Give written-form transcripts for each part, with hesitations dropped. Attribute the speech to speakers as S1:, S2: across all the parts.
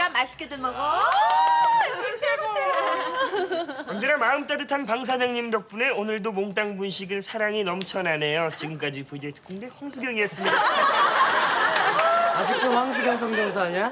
S1: 먹었으니까 맛있게들 먹어.
S2: 언제나 마음 따뜻한 방 사장님 덕분에 오늘도 몽땅 분식은 사랑이 넘쳐나네요. 지금까지 VJ 특공대 황수경이었습니다.
S3: 아직도 황수경 성대모사하냐?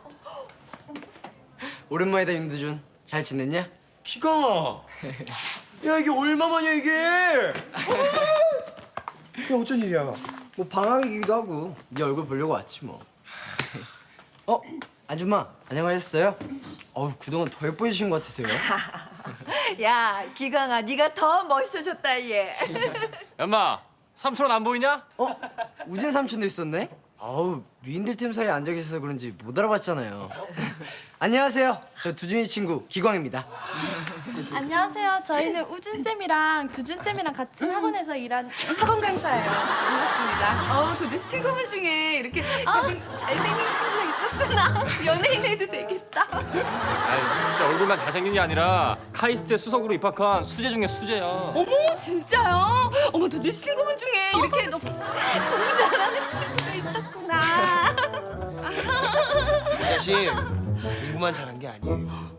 S3: 오랜만이다 윤두준. 잘 지냈냐?
S4: 기강아. 야 이게 얼마만이야 이게? 이게 어쩐 일이야?
S3: 뭐 방학이기도 하고 네 얼굴 보려고 왔지 뭐. 아줌마 안녕하셨어요? 그동안 더 예뻐지신 것 같으세요.
S1: 야, 기강아, 네가 더 멋있어졌다 얘.
S5: 엄마, 삼촌 안 보이냐?
S3: 우진 삼촌도 있었네? 미인들 팀 사이에 앉아 계셔서 그런지 못 알아봤잖아요. 안녕하세요. 저 두준이 친구 기광입니다.
S6: 안녕하세요. 저희는 우준쌤이랑 두준쌤이랑 같은 학원에서 일한 학원 강사예요.
S1: 반갑습니다. 도대체 친구분 중에 이렇게 잘생긴 친구가 있었구나. 연예인 해도 되겠다.
S5: 아이, 진짜 얼굴만 잘생긴 게 아니라 카이스트에 수석으로 입학한 수재 중에 수재야.
S1: 어머, 진짜요? 어머, 도대체 친구분 중에 이렇게 너무 공부 잘하는 친구가 있었구나.
S4: 이 자식 공부만 잘한 게 아니에요.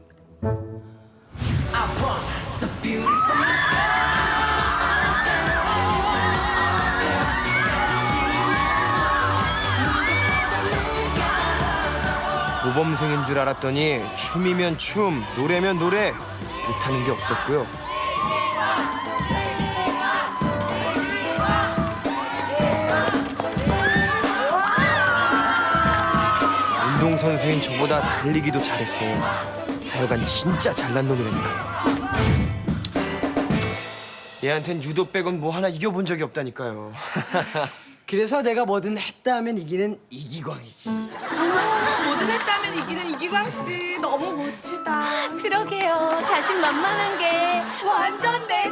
S4: 모범생인 줄 알았더니 춤이면 춤, 노래면 노래 못하는 게 없었고요. 운동선수인 저보다 달리기도 잘했어요. 하여간 진짜 잘난 놈이라니까요. 얘한텐 유도 빼곤 뭐 하나 이겨본 적이 없다니까요.
S3: 그래서 내가 뭐든 했다 하면 이기는 이기광이지.
S1: 뭐든 했다면 이기는 이기광 씨 너무 멋지다.
S6: 그러게요. 자신만만한 게.
S1: 완전 내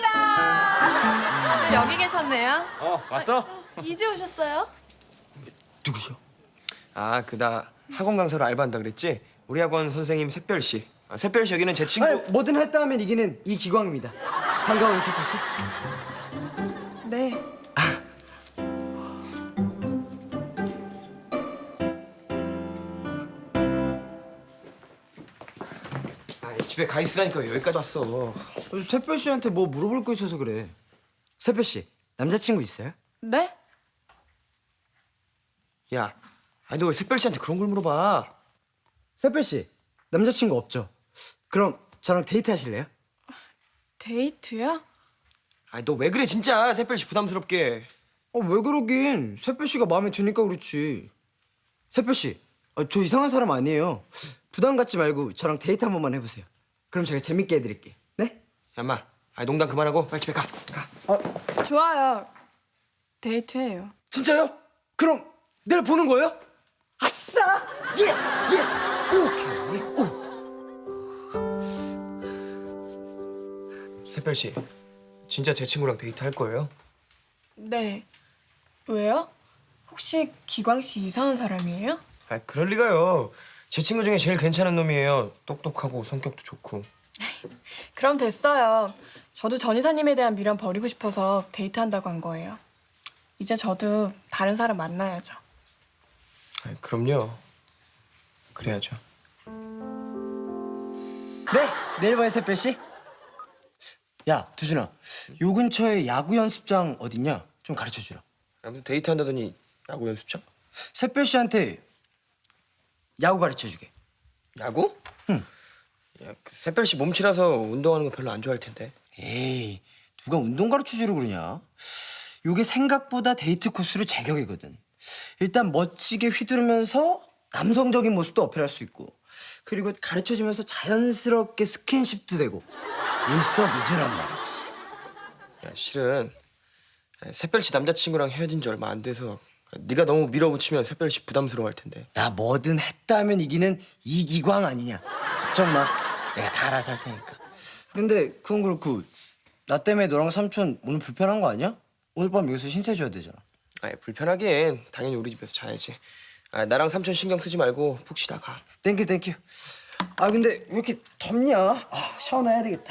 S1: 스타일라.
S6: 여기 계셨네요.
S5: 왔어?
S6: 이제 오셨어요?
S3: 누구죠?
S4: 아, 나 학원 강사로 알바한다 그랬지? 우리 학원 선생님 샛별 씨. 샛별 씨 여기는 제 친구.
S3: 뭐든 했다 하면 이기는 이기광입니다. 반가워요, 세표 씨.
S6: 네.
S4: 집에 가 있으라니까 여기까지 왔어.
S3: 세표 씨한테 뭐 물어볼 거 있어서 그래. 세표 씨, 남자친구 있어요?
S6: 네?
S4: 야, 너 왜 샛별 씨한테 그런 걸 물어봐?
S3: 세표 씨, 남자친구 없죠? 그럼 저랑 데이트 하실래요?
S6: 데이트요?
S4: 너 왜 그래 진짜 샛별 씨 부담스럽게.
S3: 왜 그러긴. 세표 씨가 마음에 드니까 그렇지. 세표 씨, 저 이상한 사람 아니에요. 부담 갖지 말고 저랑 데이트 한 번만 해보세요. 그럼 제가 재밌게 해드릴게. 네?
S4: 야, 인마. 농담 그만하고 빨리 집에 가.
S6: 좋아요. 데이트해요.
S3: 진짜요? 그럼 내일 보는 거예요? 아싸! 예스! 예스! 오케이.
S4: 샛별 씨, 진짜 제 친구랑 데이트 할 거예요?
S6: 네. 왜요? 혹시 기광 씨 이상한 사람이에요?
S4: 그럴 리가요. 제 친구 중에 제일 괜찮은 놈이에요. 똑똑하고 성격도 좋고.
S6: 그럼 됐어요. 저도 전 이사님에 대한 미련 버리고 싶어서 데이트한다고 한 거예요. 이제 저도 다른 사람 만나야죠.
S4: 그럼요. 그래야죠.
S3: 네, 내일 봐요, 세표 씨. 야, 두준아, 요 근처에 야구 연습장 어딨냐? 좀 가르쳐 주라.
S4: 아무튼 데이트 한다더니 야구 연습장?
S3: 세표 씨한테 야구 가르쳐 주게.
S4: 야구?
S3: 응.
S4: 야, 샛별 씨 몸치라서 운동하는 거 별로 안 좋아할 텐데.
S3: 에이, 누가 운동 가르쳐 주려고 그러냐? 요게 생각보다 데이트 코스로 제격이거든. 일단 멋지게 휘두르면서 남성적인 모습도 어필할 수 있고, 그리고 가르쳐주면서 자연스럽게 스킨십도 되고 일석이조란 말이지.
S4: 야, 실은 샛별 씨 남자친구랑 헤어진 지 얼마 안 돼서 네가 너무 밀어붙이면 샛별 씨 부담스러워할 텐데.
S3: 나 뭐든 했다 하면 이기는 이기광 아니냐. 걱정 마, 내가 다 알아서 할 테니까. 근데 그건 그렇고 나 때문에 너랑 삼촌 오늘 불편한 거 아니야? 오늘 밤 여기서 신세 져야 되잖아.
S4: 불편하긴 당연히 우리 집에서 자야지. 나랑 삼촌 신경 쓰지 말고 푹 쉬다 가.
S3: 땡큐. 근데 왜 이렇게 덥냐? 샤워나 해야 되겠다.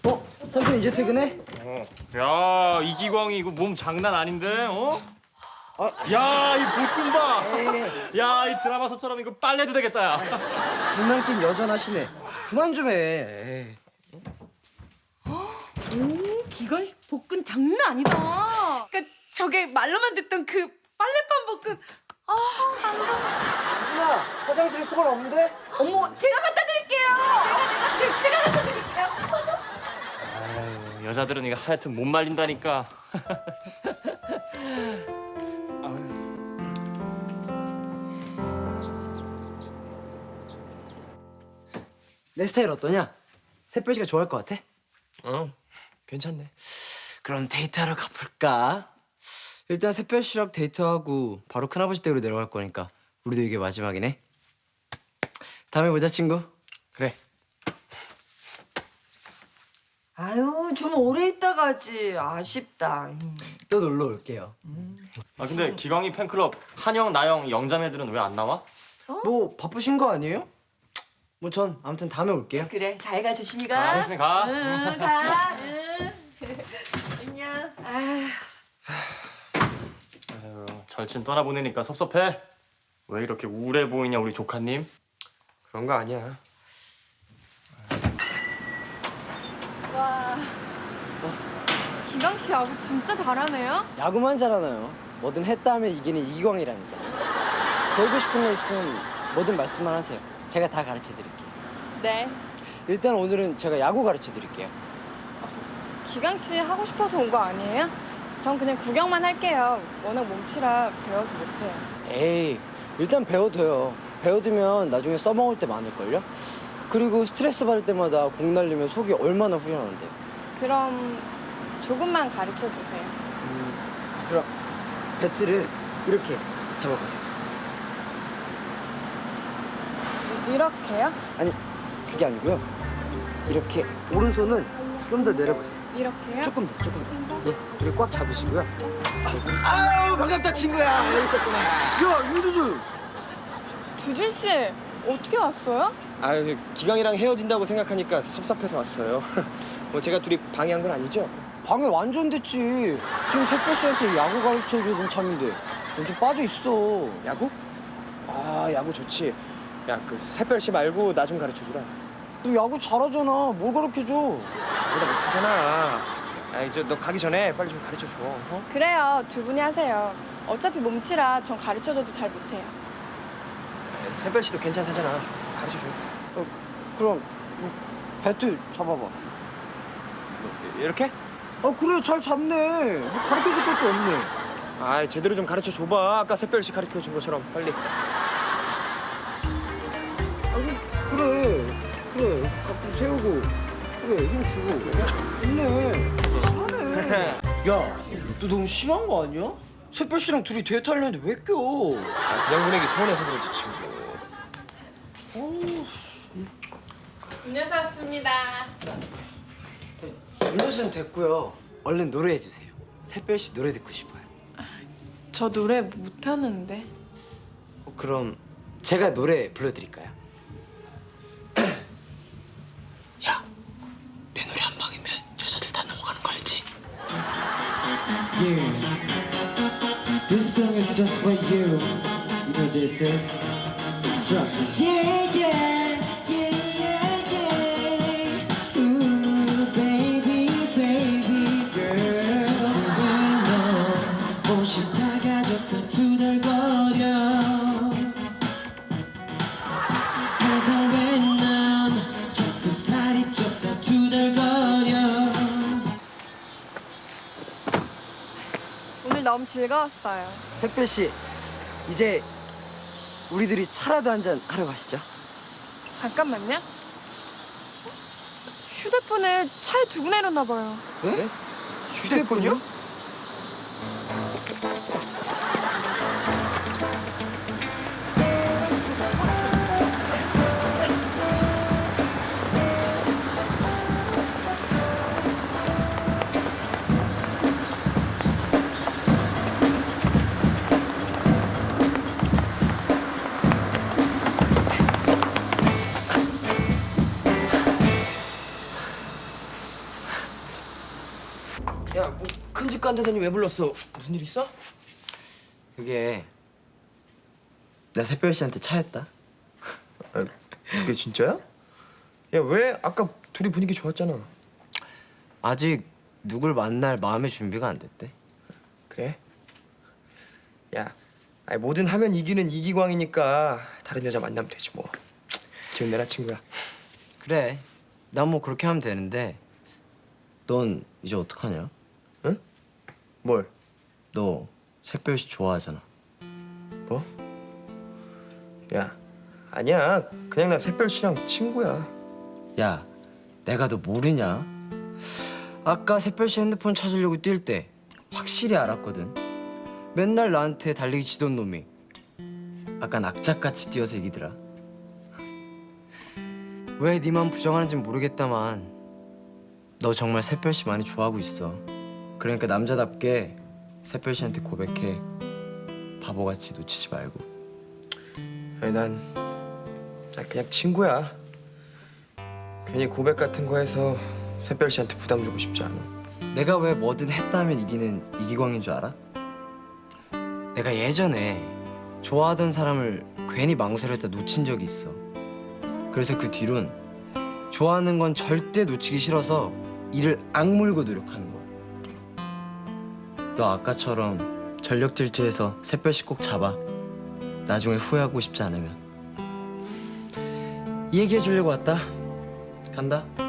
S3: 삼촌 이제 퇴근해?
S5: 야, 이기광이 이거 몸 장난 아닌데, 어? 야, 이 볶음밥. 야, 이 드라마서처럼 이거 빨래도 되겠다. 야.
S3: 장난긴 여전하시네. 그만 좀 해.
S1: 오, 기관식 볶음 장난 아니다. 그러니까 저게 말로만 듣던 그 빨래판 볶음.
S3: 누나, 화장실에 수건 없는데?
S1: 어머, 제가 갖다 드릴게요. 제가 갖다 드릴게요.
S5: 아유, 여자들은 이거 하여튼 못 말린다니까.
S3: 내 스타일 어떠냐? 샛별씨가 좋아할 것 같아?
S4: 괜찮네.
S3: 그럼 데이트하러 가볼까? 일단 샛별씨랑 데이트하고 바로 큰아버지 댁으로 내려갈 거니까 우리도 이게 마지막이네. 다음에 보자, 친구.
S4: 그래.
S7: 아유, 좀 오래 있다 가지. 아쉽다.
S3: 또 놀러 올게요.
S5: 아, 근데 기광이 팬클럽 한영, 나영, 영자매들은 왜 안 나와?
S3: 뭐 바쁘신 거 아니에요? 뭐 전 아무튼 다음에 올게요.
S7: 그래, 잘 가, 조심히 가.
S5: 조심히 가.
S7: 응, 가. 응. 안녕. 아휴.
S5: 아유, 절친 떠나보내니까 섭섭해. 왜 이렇게 우울해 보이냐, 우리 조카님?
S4: 그런 거 아니야.
S6: 와. 기광 씨 야구 진짜 잘하네요.
S3: 야구만 잘하나요? 뭐든 했다 하면 이기는 이기광이라니까. 배우고 싶은 거 있으면 뭐든 말씀만 하세요. 제가 다 가르쳐 드릴게요.
S6: 네.
S3: 일단 오늘은 제가 야구 가르쳐 드릴게요.
S6: 기광 씨 하고 싶어서 온 거 아니에요? 전 그냥 구경만 할게요. 워낙 몸치라 배워도 못해요.
S3: 에이, 일단 배워둬요. 배워두면 나중에 써먹을 때 많을걸요? 그리고 스트레스 받을 때마다 공 날리면 속이 얼마나 후련한데.
S6: 그럼 조금만 가르쳐 주세요.
S3: 그럼 배트를 이렇게 잡아보세요.
S6: 이렇게요?
S3: 아니, 그게 아니고요. 이렇게 오른손은 좀 더 내려보세요.
S6: 이렇게요?
S3: 조금 더. 예, 이렇게 꽉 잡으시고요. 아유, 반갑다, 친구야. 여기 있었구나. 야, 윤두준.
S6: 두준 씨 어떻게 왔어요?
S4: 아유, 기광이랑 헤어진다고 생각하니까 섭섭해서 왔어요. 뭐 제가 둘이 방해한 건 아니죠?
S3: 방해 완전 됐지. 지금 샛별씨한테 야구 가르쳐주던 참인데 완전 빠져있어.
S4: 야구? 아, 야구 좋지. 야, 그 샛별 씨 말고 나 좀 가르쳐주라.
S3: 너 야구 잘하잖아. 뭘 가르쳐줘?
S4: 나보다 못하잖아. 아이, 너 가기 전에 빨리 좀 가르쳐줘. 어?
S6: 그래요, 두 분이 하세요. 어차피 몸치라 전 가르쳐줘도 잘 못해요.
S4: 샛별 씨도 괜찮다잖아. 가르쳐줘.
S3: 그럼 뭐, 배트 잡아봐.
S4: 이렇게?
S3: 그래, 잘 잡네. 뭐 가르쳐줄 것도 없네.
S4: 아, 제대로 좀 가르쳐 줘봐. 아까 샛별 씨 가르쳐 준 것처럼 빨리.
S3: 그래. 갖고 세우고, 그래, 힘 주고. 좋네. 잘하네. 야, 너 너무 심한 거 아니야? 샛별씨랑 둘이 데이트 하려는데 왜 껴?
S4: 아, 그냥 보내기 서운해서 그렇지, 친구.
S6: 음료수 왔습니다.
S3: 음료수는 됐고요. 얼른 노래해 주세요. 샛별씨 노래 듣고 싶어요.
S6: 저 노래 못하는데.
S3: 그럼 제가 노래 불러드릴까요? 야, 내 노래 한 방이면 여자들 다 넘어가는 거 알지?
S8: Yeah, this song is just for you. You know this is drop this. Yeah, yeah, yeah, yeah. Ooh, baby, baby girl. 너 옷이 작아졌다 투덜거려. 항상 왜 넌 자꾸 살이 쪘다 투덜거려.
S6: 오늘 너무 즐거웠어요.
S3: 샛별씨, 이제 우리들이 차라도 한잔 하러 가시죠.
S6: 잠깐만요. 휴대폰을 차에 두고 내렸나 봐요.
S3: 네? 휴대폰이요?
S4: 야, 뭐 큰 집 간다더니 왜 불렀어? 무슨 일 있어?
S3: 그게 나 새별 씨한테 차였다.
S4: 아, 그게 진짜야? 야, 왜 아까 둘이 분위기 좋았잖아.
S3: 아직 누굴 만날 마음의 준비가 안 됐대.
S4: 그래? 야, 아니, 뭐든 하면 이기는 이기광이니까 다른 여자 만나면 되지 뭐. 기운 내라 친구야.
S3: 그래. 난 뭐 그렇게 하면 되는데 넌 이제 어떡하냐?
S4: 응? 뭘?
S3: 너 새별 씨 좋아하잖아.
S4: 뭐? 야, 아니야. 그냥 나 새별 씨랑 친구야.
S3: 야, 내가 너 모르냐? 아까 새별 씨 핸드폰 찾으려고 뛸 때 확실히 알았거든. 맨날 나한테 달리기 치던 놈이 아까 낙작같이 뛰어서 이기더라. 왜 네 맘 부정하는지 모르겠다만 너 정말 새별 씨 많이 좋아하고 있어. 그러니까 남자답게 새별 씨한테 고백해. 바보같이 놓치지 말고.
S4: 아니 난 그냥 친구야. 괜히 고백 같은 거 해서 새별 씨한테 부담 주고 싶지 않아.
S3: 내가 왜 뭐든 했다 하면 이기는 이기광인 줄 알아? 내가 예전에 좋아하던 사람을 괜히 망설였다 놓친 적이 있어. 그래서 그 뒤론 좋아하는 건 절대 놓치기 싫어서 이를 악물고 노력하는 거야. 너 아까처럼 전력 질주해서 새별씩 꼭 잡아. 나중에 후회하고 싶지 않으면. 이 얘기해 주려고 왔다. 간다.